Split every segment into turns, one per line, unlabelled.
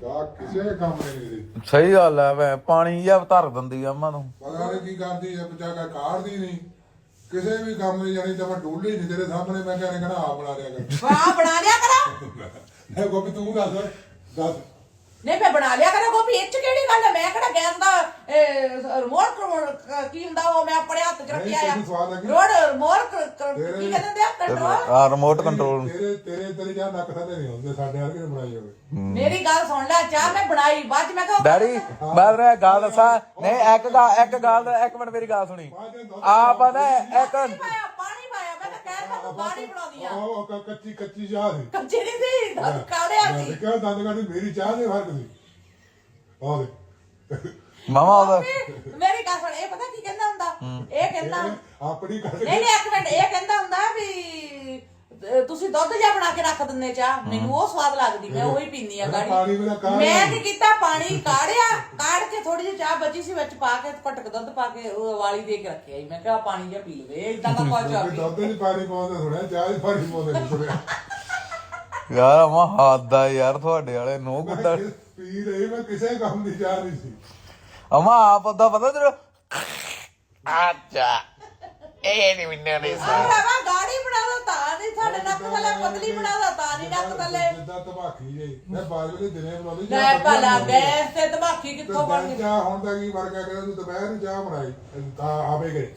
ਕਿਸੇ ਕੰਮ ਨਹੀਂ।
ਸਹੀ ਗੱਲ ਹੈ ਵੇ ਪਾਣੀ ਜਿਹਾ ਧਰ ਦਿੰਦੀ ਆ ਅਮਾ ਨੂੰ
ਪਤਾ ਨਹੀਂ ਕੀ ਕਰਦੀ ਹੈ ਬਚਾ ਕਾੜਦੀ ਨਹੀਂ ਕਿਸੇ ਵੀ ਕੰਮ ਨਹੀਂ ਜਾਣੀ ਤਾਂ ਮੈਂ ਡੋਲੀ ਨਹੀਂ ਤੇਰੇ ਸਾਹਮਣੇ ਮੈਂ ਕਹਿੰਦਾ ਆ ਬਣਾ ਲਿਆ ਕਰ
ਵਾਹ ਬਣਾ ਲਿਆ ਕਰਾਂ
ਮੈਂ ਗੋਪੀ ਤੂੰ ਦੱਸ
ਨਹੀਂ ਮੈਂ ਬਣਾ ਲਿਆ ਕਰਾਂ ਗੋਪੀ ਇਹ ਚ ਕਿਹੜੀ ਗੱਲ ਹੈ ਮੈਂ ਕਿਹੜਾ ਗੈਸ ਦਾ ਰਿਮੋਟ ਕੀ ਹੁੰਦਾ ਉਹ ਮੈਂ ਆਪਣੇ ਹੱਥ ਚ ਰੱਖਿਆ ਆ ਰਿਮੋਟ ਕੀ ਕਹਿੰਦੇ ਆ ਕੰਟਰੋਲ
ਆ ਰਿਮੋਟ ਕੰਟਰੋਲ
ਤੇਰੇ ਜਾਂ ਨੱਕ ਥੱਲੇ ਨਹੀਂ ਹੁੰਦੇ ਸਾਡੇ ਹਰ ਕਿਨੇ ਬਣਾਈ ਹੋਵੇ
ਮੇਰੀ ਗੱਲ ਸੁਣ ਲੈ ਚਾਹ ਮੈਂ ਬਣਾਈ ਬਾਅਦ ਚ ਮੈਂ ਕਿਹਾ
ਡੈਡੀ ਮੈਂ ਤੇਰੇ ਗੱਲ ਦੱਸਾਂ ਨਹੀਂ ਇੱਕ ਗੱਲ ਇੱਕ ਮਿੰਟ ਮੇਰੀ ਗੱਲ ਸੁਣੀ ਆਪ ਨਾ ਇੱਕ
ਪਾਣੀ ਪਾਇਆ ਮੈਂ ਤਾਂ ਕਹਿ ਤਾ ਪਾਣੀ ਬਣਾਉਣੀ ਆ
ਉਹ ਕੱਚੀ ਚਾਹ ਸੀ
ਕੱਚੀ ਨਹੀਂ ਸੀ ਦੰਦ ਕਾੜਿਆ ਸੀ
ਕਿਉਂ ਦੰਦ ਕਾੜੀ ਮੇਰੀ ਚਾਹ ਦੇ ਫਰਕ ਸੀ ਆਹ ਦੇ
ਮਾਮਾ ਉਹਦਾ
ਮੇਰੀ ਗੱਲ ਸੁਣ ਇਹ ਪਤਾ ਕੀ ਕਹਿੰਦਾ ਹੁੰਦਾ ਇਹ ਕਹਿੰਦਾ
ਆਪਣੀ ਗੱਲ
ਨਹੀਂ ਇੱਕ ਮਿੰਟ ਇਹ ਕਹਿੰਦਾ ਹੁੰਦਾ ਵੀ ਤੁਸੀਂ ਦੁੱਧ ਜਿਹਾ ਬਣਾ ਕੇ ਰੱਖ ਦਿੰਦੇ ਚਾਹ ਮੈਨੂੰ ਉਹ ਸਵਾਦ ਲੱਗਦੀ ਮੈਂ ਉਹੀ ਪੀਂਦੀ ਆ ਗਾੜੀ ਮੈਂ ਕੀ ਕੀਤਾ ਪਾਣੀ ਕਾੜ ਕੇ ਥੋੜੀ ਜਿਹੀ ਚਾਹ ਬਚੀ ਸੀ ਵਿੱਚ ਪਾ ਕੇ ਘਟਕ ਦੁੱਧ ਪਾ ਕੇ ਉਹ ਉਬਾਲੀ ਦੇ ਕੇ ਰੱਖਿਆ ਸੀ ਮੈਂ ਕਿਹਾ ਪਾਣੀ ਜਿਹਾ ਪੀ ਲਵੇ ਇਦਾਂ ਦਾ ਕੁਝ ਆ
ਦੁੱਧ ਨਹੀਂ ਪਾਣੀ ਪਾਉਂਦੇ ਸੁਣਿਆ ਚਾਹ ਹੀ ਪਾਣੀ ਪਾਉਂਦੇ ਨਹੀਂ ਸੁਣਿਆ
ਯਾਰ ਅਮਾ ਹੱਦ ਆ ਯਾਰ ਤੁਹਾਡੇ ਵਾਲੇ ਨੋ ਕੁੱਤਾ
ਪੀ ਰਹੀ ਮੈਂ ਕਿਸੇ ਕੰਮ ਦੀ ਚਾਹ ਨਹੀਂ ਸੀ
ਅਮਾ ਆਪ ਉਹਦਾ ਪਤਾ ਤੇਰਾ ਅੱਛਾ ਇਹ ਨਹੀਂ ਮੈਨੂੰ ਨਹੀਂ
ਭਰਾਵਾ ਗਾੜੀ ਬਣਾ ਦੋ ਤਾਂ ਨਹੀਂ ਸਾਡੇ ਨੱਕ ਥੱਲੇ ਪਤਲੀ ਬਣਾ ਦੋ ਤਾਂ ਨਹੀਂ ਨੱਕ ਥੱਲੇ
ਜਿੱਦਾਂ ਤਬਾਖੀ ਜੇ ਮੈਂ ਬਾਅਦ ਵਿੱਚ ਦਿਨੇ ਬਣਾਉਂਦੀ
ਲੈ ਭਲਾ ਗੈਸ ਤੇ ਧਮਾਕੀ ਕਿੱਥੋਂ ਬਣ ਗਈ
ਚਾਹ ਹੁਣ ਦਾ ਕੀ ਵਰਗਾ ਕਹਿੰਦਾ ਤੂੰ ਦੁਪਹਿਰ ਨੂੰ ਚਾਹ ਬਣਾਈ ਤਾਂ ਆਵੇ ਗਏ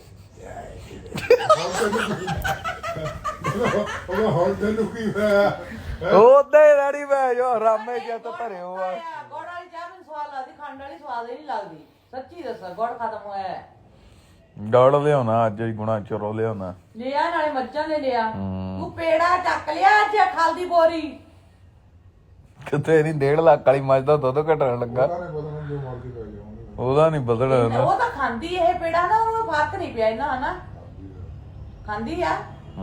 ਉਹ ਹੁਣ ਤੈਨੂੰ ਕੀ ਹੋਇਆ
ਉਹਦੇ ਰੈਡੀ ਮੈਂ ਜੋ ਰਾਮੇ ਜਿਹਾ ਤਾਂ ਭਰਿਓ ਆ
ਗੁੜ ਵਾਲੀ ਚਾਹ ਮੈਨੂੰ ਸਵਾਦ ਲੱਗਦੀ ਖੰਡ ਵਾਲੀ ਸਵਾਦ ਹੀ ਨਹੀਂ ਲੱਗਦੀ ਸੱਚੀ ਦੱਸਾਂ ਗੁੜ ਖਤਮ ਹੋਇਆ
ਗੜ ਲਿਆਉਣਾ ਅੱਜ ਹੀ ਗੁਣਾ ਚਰੋ ਲਿਆਉਣਾ
ਲਿਆ ਨਾਲੇ ਮੱਝਾਂ ਨੇ ਲਿਆ ਤੂੰ ਪੇੜਾ ਚੱਕ ਲਿਆ ਅੱਜ ਖਲ ਦੀ ਬੋਰੀ
ਕਿਤੇ ਨਹੀਂ 1.5 ਲੱਖ ਵਾਲੀ ਮੱਝ ਦਾ ਦੁੱਧ ਘਟਣ ਲੱਗਾ ਉਹਦਾ ਨਹੀਂ ਬਦਲਣਾ
ਉਹ ਤਾਂ ਖਾਂਦੀ ਇਹ ਪੇੜਾ ਨਾ ਉਹ ਫਰਕ ਨਹੀਂ ਪਿਆ ਇਹਨਾਂ ਹਨਾ ਖਾਂਦੀ ਆ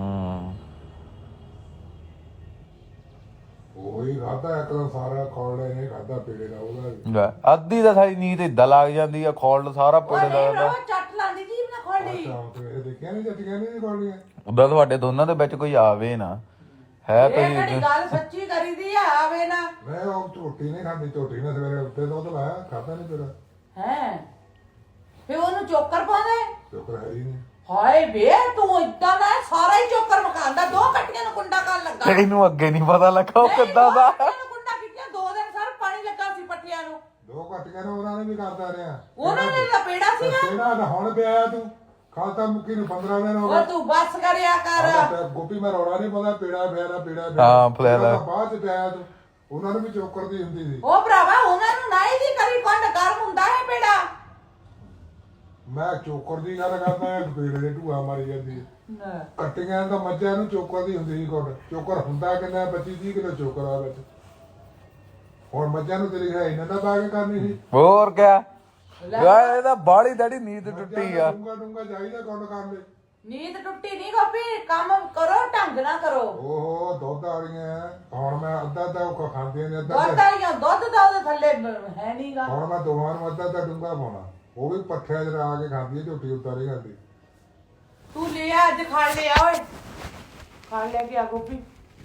ਉਹੀ ਖਾਦਾ ਇੱਕ ਤਾਂ ਸਾਰਾ ਖੋਲੜੇ ਨੇ ਖਾਦਾ ਪੇੜੇ ਦਾ ਉਹਦਾ
ਅੱਧੀ ਤਾਂ ਸਾਡੀ ਨੀਂਦ ਏਦਾਂ ਲੱਗ ਜਾਂਦੀ ਆ ਖੋਲ ਸਾਰਾ ਪੇੜੇ ਦਾ
ਚੱਟ ਲਾਂਦੀ ਜੀ ਨਾ ਖੋਲੜੀ
ਇਹ ਦੇਖਿਆ ਨਹੀਂ ਜੱਟੀਆਂ ਨਹੀਂ ਖੋਲੜੀਆਂ
ਉਦਾਂ ਤੁਹਾਡੇ ਦੋਨਾਂ ਦੇ ਵਿੱਚ ਕੋਈ ਆਵੇ ਨਾ ਹੈ
ਇਹ ਕਿਹੜੀ ਗੱਲ ਸੱਚੀ ਕਰੀਦੀ ਆ ਆਵੇ ਨਾ
ਮੈਂ ਉਹ ਝੋਟੀ ਨਹੀਂ ਖਾਂਦੀ ਝੋਟੀ ਨੇ ਸਵੇਰੇ ਉੱਤੇ ਦੁੱਧ ਲਾਇਆ ਖਾਦਾ ਨਹੀਂ ਪੇੜਾ
ਹੈ ਫੇ ਉਹਨੂੰ ਚੋਕਰ ਪਾਉਂਦੇ
ਚੋਕਰ ਹੈ ਹੀ ਨਹੀਂ
ਹਾਏ ਵੇ ਤੂੰ ਇਦਾਂ ਦਾ ਸਾਰਾ ਹੀ ਚੋਕਰ ਮਕਾਂਦਾ ਦੋ ਕੱਟੀਆਂ ਨੂੰ ਕੁੰਡਾ ਕਰਨ ਲੱਗਾ
ਇਹਨੂੰ ਅੱਗੇ ਨਹੀਂ ਪਤਾ ਲੱਗਾ ਉਹ ਕਿੱਦਾਂ ਦਾ
ਕੁੰਡਾ ਕਿੱਥੇ 2 ਦਿਨ ਸਰ ਪਾਣੀ ਲੱਗਾ ਸੀ ਪੱਠਿਆਂ ਨੂੰ
2 ਘੱਟੀਆਂ ਨੇ ਉਹਨਾਂ ਨੇ ਵੀ ਕਰਦਾ ਰਿਹਾ
ਉਹਨਾਂ ਨੇ ਲਪੇੜਾ ਸੀਗਾ
ਕਿਹੜਾ ਤਾਂ ਹੁਣ ਪਿਆ ਤੂੰ ਖਾਤਾ ਮੁੱਕੀ ਨੂੰ 15 ਦਿਨ ਹੋ
ਉਹ ਤੂੰ ਬੱਸ ਕਰਿਆ ਕਰ
ਗੋਪੀ ਮੈਂ ਰੌਲਾ ਨਹੀਂ ਪਤਾ ਪੇੜਾ ਫੇਰਾ
ਹਾਂ ਫਲੈਲਾ
ਬਾਅਦ ਚ ਪਿਆ ਤੂੰ ਉਹਨਾਂ ਨੂੰ ਵੀ ਚੋਕਰ ਦੀ ਹੁੰਦੀ ਸੀ
ਉਹ ਭਰਾਵਾ ਉਹਨਾਂ ਨੂੰ ਨਹੀਂ ਦੀ ਕਰੀ ਕੰਡ ਗਰਮ ਹੁੰਦਾ ਹੈ ਪੇੜਾ
ਮੈਂ ਚੋਕਰ ਦੀ ਗੱਲ ਕਰਦਾ ਪੇੜੇ ਦੇ ਢੂਆ ਮਾਰੀ ਜਾਂਦੀ ਕੱਟੀਆਂ ਤਾਂ ਮੱਝਾਂ ਨੂੰ ਚੋਕਰ ਦੀ ਹੁੰਦੀ ਸੀ ਕੋਟ ਚੋਕਰ ਹੁੰਦਾ ਕਿੰਨਾ 25-30 ਕਿਲੋ ਚੋਕਰ ਆ ਵਿੱਚ ਹੁਣ ਮੱਝਾਂ ਨੂੰ ਤੇਰੀ ਹੈ ਇਹਨਾਂ ਦਾ ਪਾ ਕੇ ਕਰਨੀ ਸੀ
ਹੋਰ ਕਿਆ ਯਾਰ ਇਹਦਾ ਬਾੜੀ ਦਾੜੀ ਨੀਂਦ ਟੁੱਟੀ ਆ
ਡੂੰਗਾ ਚਾਹੀਦਾ ਕੁੰਡ ਕਰਨ ਦੇ
ਨੀਂਦ ਟੁੱਟੀ ਨਹੀਂ ਗੋਪੀ ਕੰਮ ਕਰੋ ਢੰਗ ਨਾ ਕਰੋ
ਓਹੋ ਦੁੱਧ ਵਾਲੀਆਂ ਹੁਣ ਮੈਂ ਅੱਧਾ ਉਹ ਖਾਂਦੀਆਂ ਨੇ
ਦੁੱਧ ਵਾਲੀਆਂ ਦੁੱਧ ਦਾ ਉਹਦੇ ਥੱਲੇ ਹੈ ਨਹੀਂਗਾ
ਹੁਣ ਮੈਂ ਦੋਵਾਂ ਨੂੰ ਅੱਧਾ ਡੂੰਗਾ ਪਾਉਣਾ ਉਹ ਵੀ ਪੱਠਿਆਂ 'ਚ ਲਾ ਕੇ ਖਾਂਦੀ ਹੈ ਝੋਟੀ ਉਤਾਰੇ ਖਾਂਦੀ
ਤੂੰ ਲਿਆ ਅੱਜ ਖਾ ਲਿਆ ਓਏ ਖਾ ਲਿਆ ਕਿ ਆ ਗੋਪੀ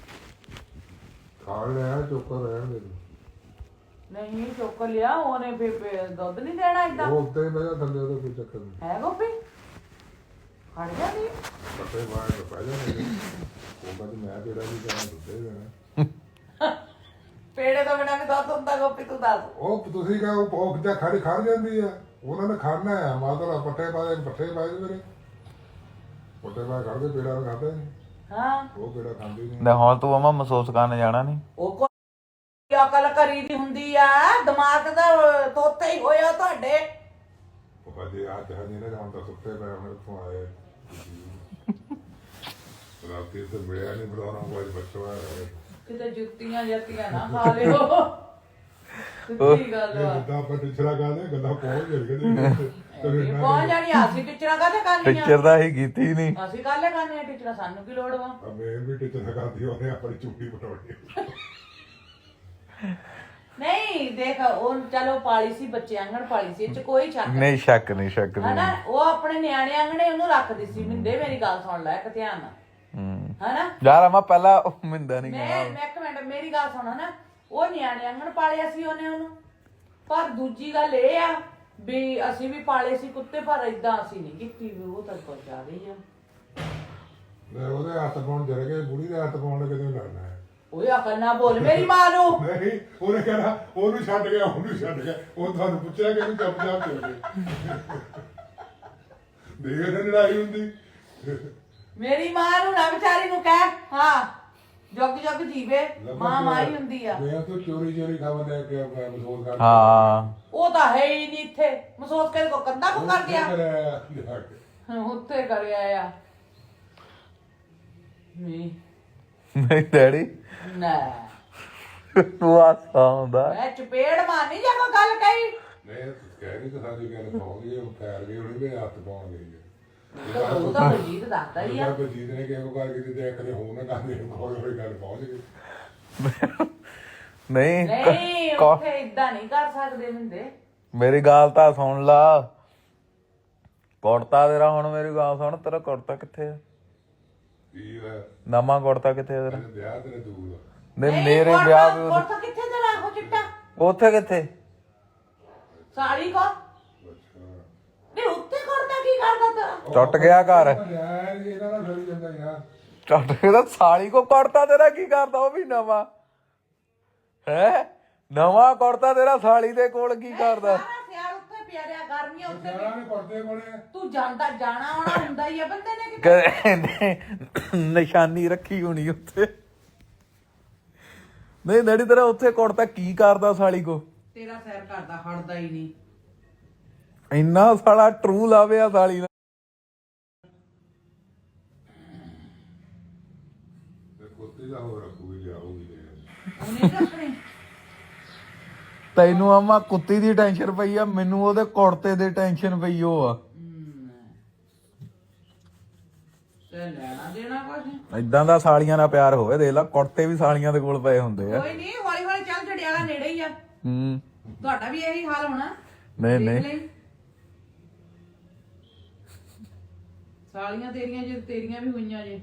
ਖਾ ਲਿਆ ਚੋਕਰ ਰਹਿਣ ਦੇ
ਨਹੀਂ ਚੁੱਕ ਲਿਆ ਉਹਨੇ ਫੇ ਦੁੱਧ ਨਹੀਂ ਦੇਣਾ ਇਦਾਂ
ਉਹ ਉੱਤੇ ਬਹਿ ਜਾ ਥੱਲੇ ਉਹਦਾ ਕੋਈ ਚੱਕਰ ਨਹੀਂ
ਹੈ ਗੋਪੀ ਖੜ ਜਾ ਨਹੀਂ
ਪੱਟੇ ਬਾਹਰ ਤੋਂ ਪੈ ਜਾਣੇ ਉਹ ਕਹਿੰਦੀ ਮੈਂ ਤੇਰਾ ਵੀ ਜਾਣਾ ਦੁੱਧੇ ਦੇਣਾ
ਪੇੜੇ ਤੋਂ ਬਿਨਾਂ ਵੀ ਦੁੱਧ ਹੁੰਦਾ ਗੋਪੀ ਤੂੰ ਦੱਸ
ਉਹ ਤੁਸੀਂ ਕਹੋ ਭੋਗ ਜਾਂ ਖੜ ਜਾਂਦੀ ਆ ਉਹਨਾਂ ਨੇ ਖਾਣਾ ਆ ਮਾਤਰਾ ਪੱਠੇ ਪਾਏ ਮੇਰੇ ਪੱਠੇ ਪਾ ਕਰਦੇ ਪੇੜਾ ਨੂੰ ਖਾਂਦੇ ਨਹੀਂ
ਹਾਂ
ਉਹ ਪੇੜਾ ਖਾਂਦੇ ਨਹੀਂ
ਲੈ ਹੁਣ ਤੂੰ ਅਮਾ ਮਹਿਸੂਸ ਕਰਨ ਜਾਣਾ ਨਹੀਂ
ਉਹ ਕੋਈ ਅਕਲ ਕਰੀ ਦੀ ਹੁੰਦੀ ਆ ਦਿਮਾਗ ਦਾ ਤੋਤੇ ਹੀ ਹੋਇਆ ਤੁਹਾਡੇ
ਉਹ ਹਜੇ ਆ ਜਹਾਨੀ ਨੇ ਹੁਣ ਤਾਂ ਸੁੱਤੇ ਪਏ ਹੁਣ ਇੱਥੋਂ ਆਏ ਰਾਤੀ ਤੇ ਮਿਲਿਆ ਨਹੀਂ ਬੜਾਉਣਾ ਕੋਈ ਬੱਚਾ
ਕਿਤੇ ਜੁੱਤੀਆਂ ਜੱਤੀਆਂ ਨਾ ਖਾ ਲਿਓ ਸਿੱਧੀ ਗੱਲ ਆ
ਜਿੱਦਾਂ ਆਪਾਂ ਟੀਚਰਾਂ ਕਰਦੇ ਗੱਲਾਂ ਪਹੁੰਚ ਜਾਂਦੀਆਂ
ਪਹੁੰਚ ਜਾਣੀ ਅਸੀਂ ਟੀਚਰਾਂ ਕਾਹਦੇ ਕਰਨੀਆਂ
ਟੀਚਰ ਦਾ ਹੀ ਕੀਤੀ ਨਹੀਂ
ਅਸੀਂ ਕਾਹਲੇ ਕਰਨੇ ਆ ਟੀਚਰਾਂ ਸਾਨੂੰ ਕੀ ਲੋੜ ਵਾ
ਮੈਂ ਵੀ ਟੀਚਰਾਂ ਕਰਦੀ ਉਹਨੇ ਆਪਣੀ ਚੁੱਪੀ ਪਟਾਉਣੀ
ਨਹੀਂ ਦੇਖ ਉਹ ਚਲੋ ਪਾਲੀ ਸੀ ਬੱਚੇ ਆਂਗਣ ਪਾਲੀ ਸੀ ਇਹ ਚ ਕੋਈ ਸ਼ੱਕ
ਨਹੀਂ ਸ਼ੱਕ ਨਹੀਂ
ਹਨਾ ਉਹ ਆਪਣੇ ਨਿਆਣੇ ਆਂਗਣੇ ਉਹਨੂੰ ਰੱਖਦੀ ਸੀ ਮਿੰਦੇ ਮੇਰੀ ਗੱਲ ਸੁਣ ਲੈ ਇੱਕ ਧਿਆਨ ਨਾਲ ਹਨਾ
ਯਾਰ ਅਮਾ ਪਹਿਲਾਂ ਮਿੰਦਾ ਨਹੀਂ
ਮੈਂ ਇੱਕ ਮਿੰਟ ਮੇਰੀ ਗੱਲ ਸੁਣ ਹਨਾ ਉਹ ਨਿਆਣੇ ਆਂਗਣ ਪਾਲਿਆ ਸੀ ਉਹਨੂੰ। ਪਰ ਦੂਜੀ ਗੱਲ ਇਹ ਆ ਵੀ ਅਸੀਂ ਵੀ ਪਾਲੇ ਸੀ ਕੁੱਤੇ, ਪਰ ਏਦਾਂ ਅਸੀਂ ਨਹੀਂ ਕੀਤੀ ਵੀ ਉਹ ਤਾਂ ਕੁਝ ਜ਼ਿਆਦਾ ਹੀ ਆ।
ਉਹਦੇ ਹੱਥ ਪਾਉਣ ਜਰ ਗਏ, ਬੁੜੀ ਦੇ ਹੱਥ ਪਾਉਣ ਕਿਤੇ ਲੜਨਾ ਹੈ।
ਓਏ ਅਕਲ ਨਾ ਬੋਲ ਮੇਰੀ ਮਾਂ ਨੂੰ।
ਨਹੀਂ ਉਹਨੇ ਕਹਿਣਾ ਉਹਨੂੰ ਛੱਡ ਗਿਆ, ਉਹਨੂੰ ਛੱਡ ਗਿਆ। ਉਹ ਤੁਹਾਨੂੰ ਪੁੱਛਿਆ ਕਿ ਇਹਨੂੰ ਚੱਪ ਚੱਪ ਚਲ ਗਏ। ਦੇਖ ਨਾ ਲੜਾਈ ਹੁੰਦੀ।
ਮੇਰੀ ਮਾਂ ਨੂੰ ਨਾ ਵਿਚਾਰੀ ਨੂੰ ਕਹਿ, ਹਾਂ ਜੁਗ ਜੁਗ ਜੀਵੇ, ਮਾਂ ਮਾਂ ਹੀ ਹੁੰਦੀ ਆ।
ਮੈਂ ਤਾਂ ਚੋਰੀ ਚੋਰੀ ਖਬਰ ਲੈ ਕੇ ਮਸੂਦ ਕਰ।
ਹਾਂ
ਉਹ ਤਾਂ ਹੈ ਹੀ ਨਹੀਂ ਇੱਥੇ। ਮਸੂਦ ਕੇ ਕੋ ਕੰਦਾ ਕੋ ਕਰ ਗਿਆ, ਉੱਥੇ ਕਰਿਆ ਆ।
ਨਹੀਂ ਡੈਡੀ
ਨਾ
ਤੂੰ ਆਸਾ ਹੁੰਦਾ
ਮੈਂ ਚਪੇੜ ਮਾਰਨੀ ਜਾਂ ਕੋਈ ਗੱਲ ਕਹੀ।
ਨਹੀਂ ਕਹਿ ਨਹੀਂ ਤਾਂ ਸਾਡੀ ਗੱਲ ਪਾਉਂਦੀ ਉਹ ਪੈਰ ਗਈ ਉਹਨੇ ਵੀ ਹੱਥ ਪਾਉਣ ਗਈ
ਉਹ ਤਾਂ ਬਲਜੀਤ ਦੱਸਦਾ ਹੀ ਆ।
ਬਲਜੀਤ ਨੇ ਕਿਹਾ ਗੱਲ ਕੀਤੀ ਤੇ ਇੱਕ ਨੇ ਹੋਰ ਨਾ ਕਰਦੇ ਕੋਈ ਗੱਲ ਪਹੁੰਚ ਗਈ।
ਨਹੀਂ
ਨਹੀਂ ਉੱਥੇ ਇਦਾਂ ਨਹੀਂ ਕਰ ਸਕਦੇ ਹੁੰਦੇ।
ਮੇਰੀ ਗੱਲ ਤਾਂ ਸੁਣ ਲਾ। ਕੁੜਤਾ ਤੇਰਾ ਹੁਣ ਮੇਰੀ ਗੱਲ ਸੁਣ, ਤੇਰਾ ਕੁੜਤਾ ਕਿੱਥੇ ਆ? ਨਵਾਂ ਕੁੜਤਾ ਕਿੱਥੇ ਆ ਤੇਰਾ?
ਵਿਆਹ ਤੇਰੇ ਦੂਰ
ਨਹੀਂ ਮੇਰੇ ਵਿਆਹ ਵੀ
ਕੁੜਤਾ ਕਿੱਥੇ ਤੇਰਾ ਉਹ ਚਿੱਟਾ?
ਉੱਥੇ ਕਿੱਥੇ?
ਸਾੜੀ ਕੋ ਨਹੀਂ ਉੱਤੇ ਕੁੜਤਾ ਕੀ ਕਰਦਾ ਤੇਰਾ?
ਟੁੱਟ ਗਿਆ ਘਰ।
ਇਹਦਾ ਨਾ ਫੇਰ ਜਾਂਦਾ ਯਾਰ।
ਟੁੱਟ ਗਿਆ ਸਾਲੀ ਕੋ ਕੁੜਤਾ ਤੇਰਾ ਕੀ ਕਰਦਾ? ਉਹ ਵੀ ਨਵਾਂ ਹੈ। ਨਵਾਂ ਕੁੜਤਾ ਤੇਰਾ ਸਾਲੀ ਦੇ ਕੋਲ ਕੀ ਕਰਦਾ?
ਸਿਆਲ ਉੱਥੇ ਪਿਆ ਰਿਹਾ, ਗਰਮੀਆਂ ਉੱਥੇ
ਸਿਆਲਾਂ ਨੇ ਕੁੜਤੇ ਕੋਲੇ
ਤੂੰ ਜਾਂਦਾ ਜਾਣਾ ਆਉਣਾ ਹੁੰਦਾ ਹੀ ਆ ਬੰਦੇ ਨੇ ਕਿਤੇ।
ਨਿਸ਼ਾਨੀ ਰੱਖੀ ਹੋਣੀ ਉੱਥੇ। ਨਹੀਂ ਡੈਡੀ ਤੇਰਾ ਉੱਥੇ ਕੁੜਤਾ ਕੀ ਕਰਦਾ ਸਾਲੀ ਕੋ?
ਤੇਰਾ ਸੈਰ ਕਰਦਾ ਹਟਦਾ ਹੀ ਨਹੀਂ।
ਇੰਨਾ ਸਾਲਾ ਟਰੂ ਲਾਵਿਆ ਸਾਲੀ ਦਾ।
ਕੁੱਤੇ ਦਾ ਹੋਰ ਰੱਖੂਗੀ ਲਿਆਉਗੀ
ਉਹਨੇ ਰੱਖਣੇ।
ਤੈਨੂੰ ਆਮਾ ਕੁੱਤੀ ਦੀ ਟੈਨਸ਼ਨ ਪਈ ਆ, ਮੈਨੂੰ ਉਹਦੇ ਕੁੜਤੇ ਦੀ ਟੈਨਸ਼ਨ ਪਈ ਉਹ ਆ।
ਤੇ ਲੈਣਾ ਦੇਣਾ ਕੁਝ
ਇਦਾਂ ਦਾ ਸਾਲੀਆਂ ਨਾਲ ਪਿਆਰ ਹੋਵੇ। ਦੇਖ ਲਾ ਕੁੜਤੇ ਵੀ ਸਾਲੀਆਂ ਦੇ ਕੋਲ ਪਏ ਹੁੰਦੇ ਆ।
ਕੋਈ ਨਹੀਂ, ਹੌਲੀ ਹੌਲੀ ਚੱਲ, ਜੜਿਆਲਾ ਨੇੜੇ ਹੀ ਆ। ਤੁਹਾਡਾ ਵੀ ਇਹੀ ਹਾਲ ਹੋਣਾ।
ਨਹੀਂ ਨਹੀਂ
ਸਾਲੀਆਂ ਤੇਰੀਆਂ ਜੇ ਤੇਰੀਆਂ ਵੀ ਹੋਈਆਂ ਜੇ।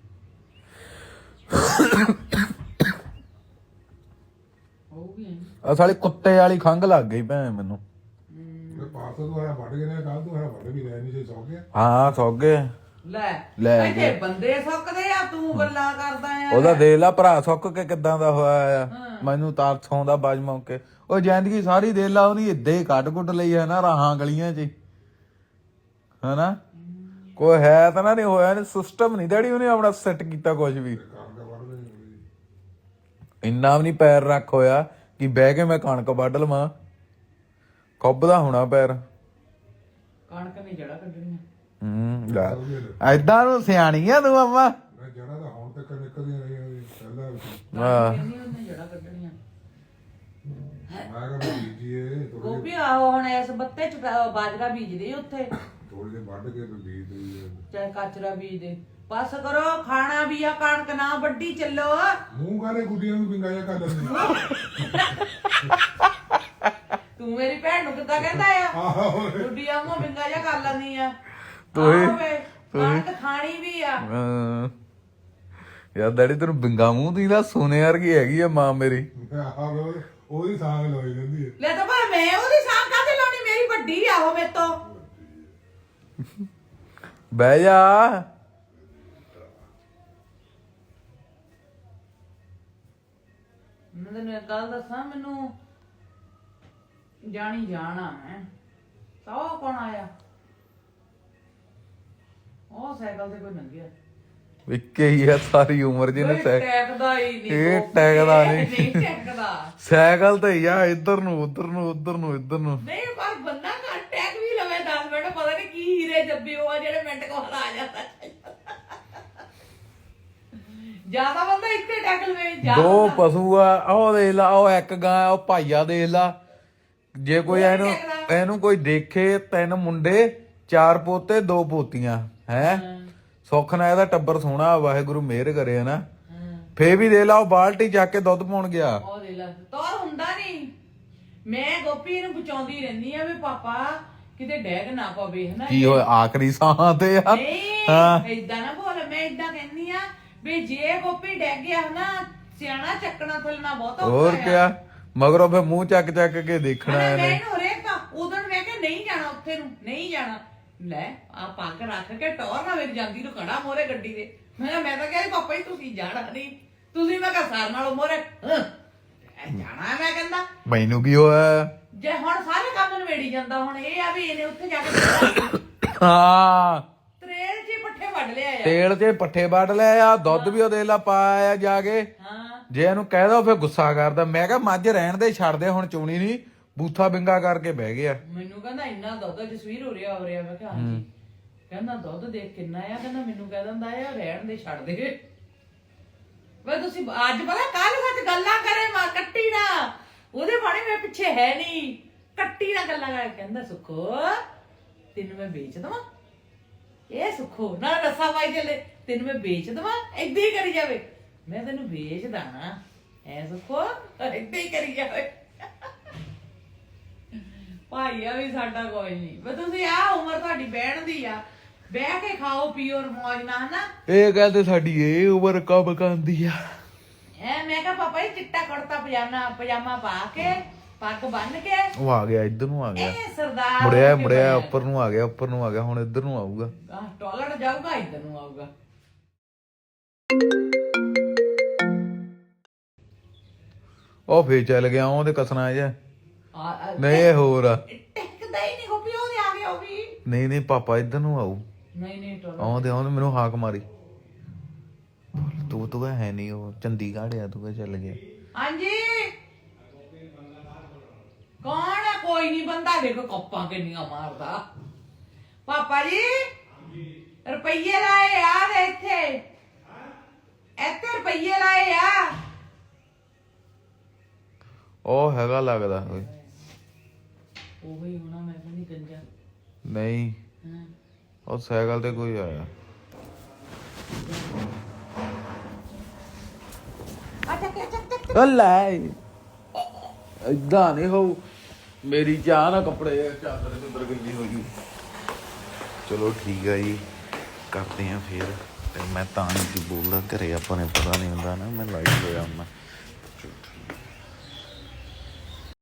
ਆ ਸਾਲੀ ਕੁੱਤੇ ਵਾਲੀ ਖੰਘ ਲੱਗ ਗਈ ਭੈਣ ਮੈਨੂੰ।
ਪਾਸੋਂ ਤੋਂ ਆਇਆ ਵੱਢ ਗਏ ਨੇ, ਕੱਲ ਤੋਂ ਆਇਆ ਵੱਢ ਵੀ ਲੈ ਨਹੀਂ ਸੀ ਸੌ ਗਿਆ।
ਹਾਂ ਸੌ ਗਏ।
ਲੈ ਇੱਥੇ ਬੰਦੇ ਸੁੱਕਦੇ ਆ, ਤੂੰ ਗੱਲਾਂ ਕਰਦਾ ਆ।
ਉਹਦਾ ਦੇਖ ਲਾ ਭਰਾ ਸੁੱਕ ਕੇ ਕਿੱਦਾਂ ਦਾ ਹੋਇਆ ਆ। ਮੈਨੂੰ ਤਾਂ ਸੌਂਦਾ ਬਾਜ ਮੌਕੇ। ਉਹ ਜ਼ਿੰਦਗੀ ਸਾਰੀ ਦੇਖ ਲਾ ਉਹਦੀ ਏਦਾਂ ਹੀ ਕੱਢ ਕੁੱਟ ਲਈ ਹੈ ਨਾ ਰਾਹਾਂ ਗਲੀਆਂ 'ਚ ਹਨਾ। ਕੋਈ ਹੈ ਤਾਂ ਨਾ ਨਹੀਂ ਹੋਇਆ ਨਹੀਂ ਸਿਸਟਮ ਨਹੀਂ ਡੈਡੀ ਉਹਨੇ ਆਪਣਾ ਸੈੱਟ ਕੀਤਾ ਕੁਝ ਵੀ। ਇੰਨਾ ਵੀ ਨਹੀਂ ਪੈਰ ਰੱਖ ਹੋਇਆ ਕਿ ਬਹਿ ਕੇ ਮੈਂ ਕਣਕ ਵੱਢ ਲਵਾਂ। ਖੁੱਬਦਾ ਹੋਣਾ ਪੈਰ।
ਕਣਕ ਨੇ ਜੜਾ ਕੱਢਣੀਆਂ।
ਏਦਾਂ ਨੂੰ ਸਿਆਣੀ ਆ ਤੂੰ ਅੰਮਾ।
ਜੜਾ ਤਾਂ ਹੁਣ ਤੱਕ ਨਿਕਲਦੀਆਂ ਰਹੀਆਂ ਪਹਿਲਾਂ।
ਹਾਂ
ਉਹਨੇ ਜੜਾ ਕੱਢਣੀਆਂ।
ਮੈਂ ਕਿਹਾ ਬੀਜੀਏ
ਗੋਭੀ ਆਹੋ ਹੁਣ ਇਸ ਬੱਤੇ ਚ ਬਾਜਰਾ ਬੀਜਦੇ ਉੱਥੇ।
ਥੋੜੀ ਜਿਹੀ ਵੱਢ ਕੇ ਬੀਜ ਦੇ
ਚਾਹੇ ਕਾਚਰਾ ਬੀਜ ਦੇ। ਬਸ ਕਰੋ, ਖਾਣਾ ਵੀ ਆ, ਕਣਕ ਨਾ ਵੱਢੀ ਚੱਲੋ।
ਮੂੰਹ ਗਾਲੇ ਗੁੱਡੀਆਂ ਨੂੰ ਪਿੰਗਾ ਜਿਹਾ ਕਰ ਦਿੰਦੀ।
ਤੂੰ ਮੇਰੀ ਭੈਣ ਨੂੰ ਕਿੱਦਾਂ ਕਹਿੰਦਾ ਆ? ਗੁੱਡੀਆਂ ਮੂੰਹ ਪਿੰਗਾ ਜਿਹਾ ਕਰ ਲੈਂਦੀ ਆ। ਕਣਕ ਖਾਣੀ ਵੀ ਆ।
ਯਾਰ ਡੈਡੀ ਤੈਨੂੰ ਬਿੰਗਾ ਮੂੰਹ ਦੀ ਨਾ ਸੋਨੇ ਵਰਗੀ ਹੈਗੀ ਆ ਮਾਂ ਮੇਰੀ।
ਉਹਦੀ ਸਾਗ ਲੋਈ ਜਾਂਦੀ ਹੈ।
ਲੈ ਤਾਂ ਪਰ ਮੈਂ ਉਹਦੀ ਸਾਗ ਕਾਹਦੇ ਲਾਉਣੀ? ਮੇਰੀ ਵੱਡੀ ਆ ਉਹ ਮੇਰੇ ਤੋਂ।
ਬਹਿ ਜਾ।
ਮੈਂ ਤੈਨੂੰ ਇੱਕ ਗੱਲ ਦੱਸਾਂ, ਮੈਨੂੰ ਜਾਣੀ ਜਾਣਾ ਮੈਂ। ਸੌ ਕੌਣ ਆਇਆ? ਉਹ ਸਾਈਕਲ ਤੇ ਕੋਈ ਲੰਘਿਆ।
ਇੱਕੇ ਹੀ ਆ ਸਾਰੀ ਉਮਰ ਜਿਹਨੇ
ਟੈਕਦਾ ਹੀ ਨਹੀਂ।
ਇਹ ਟੈਕਦਾ ਨਹੀਂ।
ਨਹੀਂ ਟੈਕਦਾ।
ਸਾਈਕਲ ਤੇ ਹੀ ਆ, ਇੱਧਰ ਨੂੰ ਉੱਧਰ ਨੂੰ ਉੱਧਰ ਨੂੰ ਇੱਧਰ ਨੂੰ।
ਨਹੀਂ ਪਰ ਬੰਦਾ ਘਰ ਟੈਕ ਵੀ ਲਵੇ 10 ਮਿੰਟ, ਪਤਾ ਨਹੀਂ ਕੀ ਹੀਰੇ ਜੱਬੇ ਉਹ ਆ ਜਿਹੜੇ ਮਿੰਟ ਕੋਲ ਆ ਜਾਂਦਾ। ਜਿਆਦਾ ਬੰਦਾ ਇੱਥੇ ਟੈਕ ਲਵੇ।
ਦੋ ਪਸ਼ੂ ਆ, ਉਹ ਦੇਖ ਲਾ, ਉਹ ਇੱਕ ਗਾਂ, ਉਹ ਭਾਈਆ ਦੇਖ ਲਾ। ਜੇ ਕੋਈ ਇਹਨੂੰ ਕੋਈ ਦੇਖੇ, 3 ਮੁੰਡੇ 4 ਪੋਤੇ 2 ਪੋਤੀਆਂ ਹੈ। ਸੁੱਖ ਨਾਲ ਇਹਦਾ ਟੱਬਰ ਸੋਹਣਾ, ਵਾਹਿਗੁਰੂ ਮਿਹਰ ਕਰੇ ਨਾ। ਫੇਰ ਵੀ ਦੇਖ ਲਾ ਉਹ ਬਾਲਟੀ ਚੱਕ ਕੇ ਦੁੱਧ ਪਾਉਣ ਗਿਆ।
ਉਹ ਦੇਖ ਲਾ ਤੋਰ ਹੁੰਦਾ ਨਹੀਂ। ਮੈਂ ਗੋਪੀ ਨੂੰ ਬਚਾਉਂਦੀ ਰਹਿੰਦੀ ਆ ਵੀ ਪਾਪਾ ਕਿਤੇ ਡੈਗ ਨਾ ਪਵੇ ਹਨਾ।
ਕੀ ਹੋਇਆ ਆਖਰੀ ਸਾਹਾਂ ਤੇ
ਆ? ਏਦਾਂ ਨਾ ਬੋਲ। ਮੈਂ ਏਦਾਂ ਕਹਿੰਦੀ ਆ ਵੀ ਜੇ ਗੋਪੀ ਡੈਗ ਗਿਆ ਨਾ ਸਿਆਣਾ ਚੱਕਣਾ ਥਲਣਾ ਬਹੁਤ
ਹੋਰ ਕਿਆ ਮਗਰੋਂ ਫੇ ਮੂੰਹ ਚੱਕ ਚੱਕ ਕੇ ਦੇਖਣਾ
ਮੈਂ
ਇਹਨੇ
ਇਹਨੂੰ ਰੇਖਾ ਉਦੋਂ ਮੈਂ ਕਿਹਾ ਨਹੀਂ ਜਾਣਾ ਉੱਥੇ ਨੂੰ ਨਹੀਂ ਜਾਣਾ ਲੈ ਆ ਪੱਗ ਰੱਖ ਕੇ ਟੌਰ ਨਾ ਮੇਰੀ ਜਾਂਦੀ ਨੂੰ ਖੜਾ ਮੋਰੇ ਗੱਡੀ ਦੇ ਮੈਂ ਤਾਂ ਕਿਹਾ ਪਾਪਾ ਜੀ ਤੁਸੀਂ ਜਾਣਾ ਨਹੀਂ ਤੁਸੀਂ ਮੈਂ ਕਿਹਾ ਸਾਰ ਨਾਲੋਂ ਮੋਰੇ ਜਾਣਾ ਮੈਂ ਕਹਿੰਦਾ
ਮੈਨੂੰ ਕੀ ਹੋਇਆ
ਜੇ ਹੁਣ ਸਾਰੇ ਕੰਮ ਨਵੇੜੀ ਜਾਂਦਾ ਹੁਣ ਇਹ ਆ ਵੀ ਇਹਨੇ ਉੱਥੇ ਜਾ ਕੇ
ਹਾਂ
ਤਰੇਲ 'ਚ ਹੀ ਪੱਠੇ ਵੱਢ ਲਿਆ ਆ
ਤੇਲ 'ਚ ਪੱਠੇ ਵੱਢ ਲਿਆ ਆ ਦੁੱਧ ਵੀ ਉਹਦੇ ਲਾ ਪਾਇਆ ਜਾ ਕੇ
ਹਾਂ
ਜੇ ਇਹਨੂੰ ਕਹਿ ਦੋ ਫੇ ਗੁੱਸਾ ਕਰਦਾ ਮੈਂ ਕਿਹਾ ਮੱਝ ਰਹਿਣ ਦੇ ਛੱਡ ਦੇ ਹੁਣ ਚੋਣੀ ਨਹੀਂ ਬੂਥਾ ਬਿੰਗਾ ਕਰਕੇ ਬਹਿ ਗਿਆ
ਮੈਨੂੰ ਕਹਿੰਦਾ ਇੰਨਾ ਦੁੱਧ ਜਸਵੀਰ ਹੋ ਰਿਹਾ ਮੈਂ ਕਿਹਾ ਹਾਂਜੀ ਕਹਿੰਦਾ ਦੁੱਧ ਦੇਖ ਕਿੰਨਾ ਆ ਕਹਿੰਦਾ ਮੈਨੂੰ ਕਹਿ ਦਿੰਦਾ ਆ ਰਹਿਣ ਦੇ ਛੱਡ ਦੇ ਵੇ ਤੁਸੀਂ ਅੱਜ ਪਤਾ ਕੱਲ ਸੱਚ ਗੱਲਾਂ ਕਰੇ ਮਾ ਕੱਟੀ ਨਾ ਉਹਦੇ ਬਾਣੇ ਮੇਰੇ ਪਿੱਛੇ ਹੈ ਨਹੀਂ ਕੱਟੀ ਨਾਲ ਗੱਲਾਂ ਕਰ ਕਹਿੰਦਾ ਸੁੱਖੋ ਤੈਨੂੰ ਮੈਂ ਵੇਚ ਦਵਾਂ ਇਹ ਸੁੱਖੋ ਨਾ ਰਸਾ ਪਾਈ ਚੱਲੇ ਤੈਨੂੰ ਮੈਂ ਵੇਚ ਦਵਾਂ ਏਦਾਂ ਹੀ ਕਰੀ ਜਾਵੇ ਮੈਂ ਤੈਨੂੰ ਵੇਚਦਾ ਨਾ ਐ ਸੁੱਖੋ ਏਦਾਂ ਹੀ ਕਰੀ ਜਾਵੇ ਭਾਈਆ ਵੀ ਸਾਡਾ ਕੋਈ ਨਹੀਂ ਵੇ ਤੁਸੀਂ ਆ ਉਮਰ ਤੁਹਾਡੀ ਬਹਿਣ ਦੀ ਆ ਬਹਿ ਕੇ ਖਾਓ ਪੀਓ ਮੌਜ ਨਾਲ ਹਨਾ
ਇਹ ਗੱਲ ਤੇ ਸਾਡੀ ਇਹ ਉਮਰ ਕਬ ਕਾਂਦੀ ਆ
ਐ ਮੈਂ ਕਿਹਾ ਪਾਪਾ ਜੀ ਚਿੱਟਾ ਕੁੜਤਾ ਪਜਾਮਾ ਪਾ ਕੇ ਪੱਗ ਬੰਨ ਕੇ
ਉਹ ਆ ਗਿਆ ਇੱਧਰ ਨੂੰ ਆ ਗਿਆ
ਇਹ ਸਰਦਾਰ
ਮੁੜਿਆ ਉੱਪਰ ਨੂੰ ਆ ਗਿਆ ਹੁਣ ਇੱਧਰ ਨੂੰ ਆਊਗਾ
ਟਾਇਲਟ ਜਾਊਗਾ ਇੱਧਰ ਨੂੰ ਆਊਗਾ
ਉਹ ਫੇਰ ਚੱਲ ਗਿਆ ਉਹਦੇ ਕਸਣਾ ਜਿਹਾ ਨਹੀਂ ਇਹ ਹੋਰ ਆ
ਟਿਕਦਾ ਹੀ ਨਹੀਂ ਗੋਪੀ ਉਹਦੇ ਆ ਗਿਆ ਉਹ ਵੀ
ਨਹੀਂ ਪਾਪਾ ਇੱਧਰ ਨੂੰ ਆਊ
ਨਹੀਂ
ਆਉਂਦੇ ਮੈਨੂੰ ਹਾਕ ਮਾਰੀ ਤੂੰ ਹੈ ਨਹੀਂ ਉਹ ਚੰਡੀਗੜ੍ਹ ਆ ਤੂੰ ਚੱਲ ਗਿਆ
ਹਾਂਜੀ ਕੌਣ ਆ ਕੋਈ ਨਹੀਂ ਬੰਦਾ ਦੇਖੋ ਕੱਪਾਂ ਕਿੰਨੀਆਂ ਮਾਰਦਾ ਪਾਪਾ ਜੀ ਰੁਪਈਏ ਲਾਏ ਆ ਦੇ ਇੱਥੇ ਰੁਪਈਏ ਲਾਏ ਆ
ਉਹ ਹੈਗਾ ਲੱਗਦਾ ਓਏ
ਉਹ ਹੀ ਹੋਣਾ ਮੈਂ ਨਹੀਂ ਗੰਜਾ
ਨਹੀਂ ਉਹ ਸਾਈਕਲ ਤੇ ਕੋਈ ਆਇਆ ਲੈ ਏਦਾਂ ਨਹੀਂ ਹੋਊ ਮੇਰੀ ਚਾਹ ਨਾ ਕੱਪੜੇ ਚਾਦਰ ਤੇ ਅੰਦਰ ਗਈ ਹੋਈ ਚਲੋ ਠੀਕ ਆ ਜੀ ਕਰਦੇ ਆ ਫੇਰ ਤੇ ਮੈਂ ਤਾਂ ਨਹੀਂ ਬੋਲਦਾ ਘਰੇ ਆਪਾਂ ਨੇ ਪਤਾ ਨਹੀਂ ਹੁੰਦਾ ਨਾ ਮੈਂ ਲਾਈਟ ਹੋਇਆ ਹੁੰਦਾ